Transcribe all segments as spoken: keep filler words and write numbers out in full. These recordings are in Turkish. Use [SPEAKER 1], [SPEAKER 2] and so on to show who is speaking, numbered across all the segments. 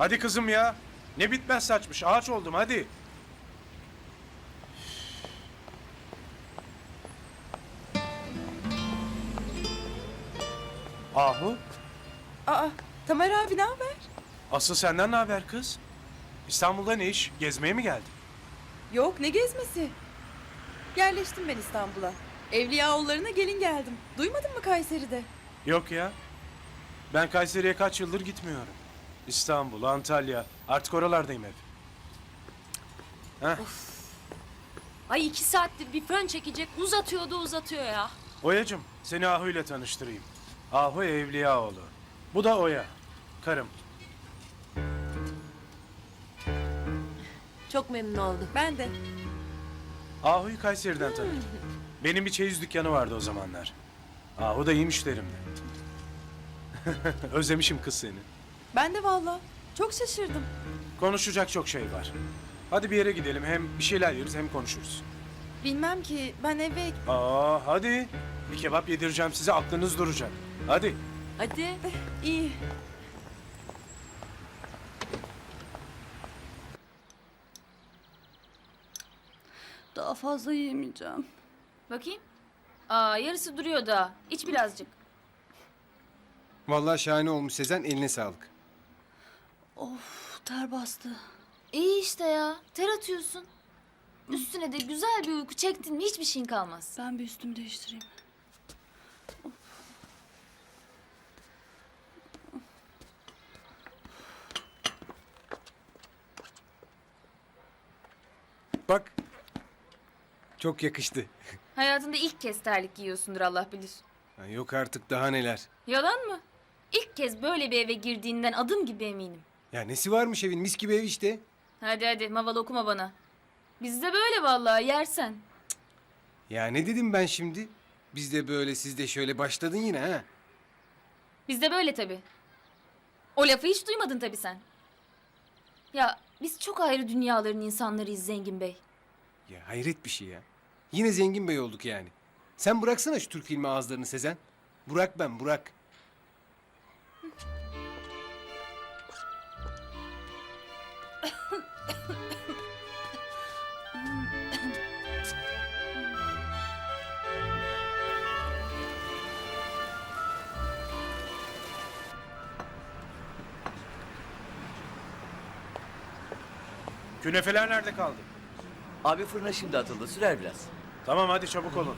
[SPEAKER 1] Hadi kızım ya. Ne bitmez saçmış. Ağaç oldum hadi. Ahu.
[SPEAKER 2] Aa, Tamer abi ne haber?
[SPEAKER 1] Asıl senden ne haber kız? İstanbul'da ne iş? Gezmeye mi geldin?
[SPEAKER 2] Yok, ne gezmesi? Yerleştim ben İstanbul'a. Evliyaoğullarına gelin geldim. Duymadın mı Kayseri'de?
[SPEAKER 1] Yok ya. Ben Kayseri'ye kaç yıldır gitmiyorum. İstanbul, Antalya. Artık oralardayım hep. Heh.
[SPEAKER 3] Ay iki saattir bir fön çekecek uzatıyor da uzatıyor ya.
[SPEAKER 1] Oya'cığım seni Ahu ile tanıştırayım. Ahu Evliyaoğlu. Bu da Oya. Karım.
[SPEAKER 3] Çok memnun oldum.
[SPEAKER 2] Ben de.
[SPEAKER 1] Ahu'yu Kayseri'den tanıdım. Benim bir çeyiz dükkanı vardı o zamanlar. Ahu da iyi müşterimdi. Özlemişim kız seni.
[SPEAKER 2] Ben de valla. Çok şaşırdım.
[SPEAKER 1] Konuşacak çok şey var. Hadi bir yere gidelim. Hem bir şeyler yeriz hem konuşuruz.
[SPEAKER 2] Bilmem ki ben eve...
[SPEAKER 1] Aa hadi. Bir kebap yedireceğim size, aklınız duracak. Hadi.
[SPEAKER 3] Hadi.
[SPEAKER 2] iyi.
[SPEAKER 4] Daha fazla yiyemeyeceğim.
[SPEAKER 3] Bakayım. Aa yarısı duruyor da. İç birazcık.
[SPEAKER 5] Vallahi şahane olmuş Sezen, eline sağlık.
[SPEAKER 4] Of, ter bastı.
[SPEAKER 6] İyi işte ya. Ter atıyorsun. Üstüne de güzel bir uyku çektin mi hiçbir şeyin kalmaz.
[SPEAKER 4] Ben bir üstümü değiştireyim.
[SPEAKER 5] Bak, çok yakıştı.
[SPEAKER 6] Hayatında ilk kez terlik giyiyorsundur Allah bilir.
[SPEAKER 5] Ha, yok artık daha neler.
[SPEAKER 6] Yalan mı? İlk kez böyle bir eve girdiğinden adım gibi eminim.
[SPEAKER 5] Ya nesi varmış evin, mis gibi ev işte.
[SPEAKER 6] Hadi hadi maval okuma bana. Bizde böyle vallahi yersen.
[SPEAKER 5] Ya ne dedim ben şimdi? Biz de böyle, siz de şöyle başladın yine ha.
[SPEAKER 6] Bizde böyle tabii. O lafı hiç duymadın tabii sen. Ya biz çok ayrı dünyaların insanlarıyız Zengin Bey.
[SPEAKER 5] Ya hayret bir şey ya. Yine zengin bey olduk yani. Sen bıraksana şu Türk filmi ağızlarını Sezen. Burak ben, Burak.
[SPEAKER 1] Künefeler nerede kaldı?
[SPEAKER 7] Abi fırına şimdi atıldı. Sürer biraz.
[SPEAKER 1] Tamam hadi çabuk olun.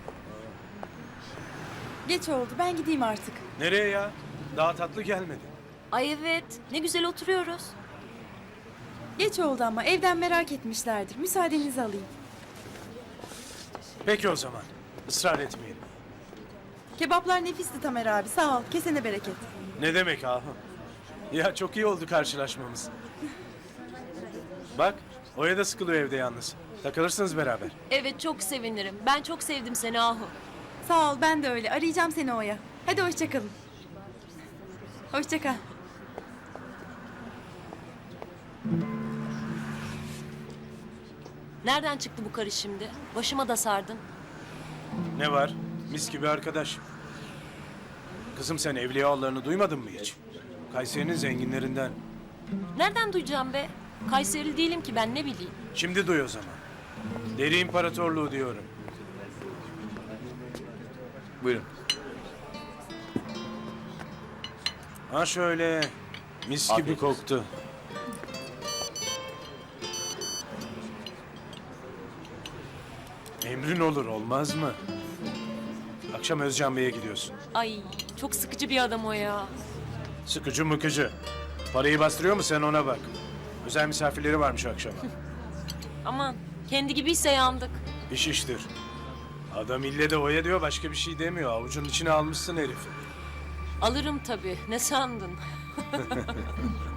[SPEAKER 2] Geç oldu. Ben gideyim artık.
[SPEAKER 1] Nereye ya? Daha tatlı gelmedi.
[SPEAKER 3] Ay evet. Ne güzel oturuyoruz.
[SPEAKER 2] Geç oldu ama evden merak etmişlerdir. Müsaadenizi alayım.
[SPEAKER 1] Peki o zaman. Israr etmeyelim.
[SPEAKER 2] Kebaplar nefisti Tamer abi. Sağ ol. Kesene bereket.
[SPEAKER 1] Ne demek Ahu? Ya çok iyi oldu karşılaşmamız. Bak, Oya da sıkılıyor evde yalnız. Takılırsınız beraber.
[SPEAKER 3] Evet çok sevinirim. Ben çok sevdim seni Ahu.
[SPEAKER 2] Sağ ol. Ben de öyle. Arayacağım seni Oya. Hadi hoşça kalın. Hoşça kal.
[SPEAKER 3] Nereden çıktı bu karı şimdi? Başıma da sardın.
[SPEAKER 1] Ne var? Mis gibi arkadaş. Kızım sen Evliyaoğulları'nı duymadın mı hiç? Kayseri'nin zenginlerinden.
[SPEAKER 3] Nereden duyacağım be? Kayserili değilim ki ben ne bileyim.
[SPEAKER 1] Şimdi duy o zaman. Deri İmparatorluğu diyorum.
[SPEAKER 7] Buyurun.
[SPEAKER 1] Ha şöyle. Mis
[SPEAKER 7] Afiyet
[SPEAKER 1] gibi
[SPEAKER 7] olsun.
[SPEAKER 1] koktu. Emrin olur olmaz mı? Akşam Özcan Bey'e gidiyorsun.
[SPEAKER 3] Ay çok sıkıcı bir adam o ya.
[SPEAKER 1] Sıkıcı mıkıcı. Parayı bastırıyor mu sen ona bak. Özel misafirleri varmış akşama.
[SPEAKER 3] Aman kendi gibiyse yandık.
[SPEAKER 1] İş iştir. Adam ille de Oya diyor başka bir şey demiyor. Avucunun içine almışsın herifi.
[SPEAKER 3] Alırım tabii. Ne sandın?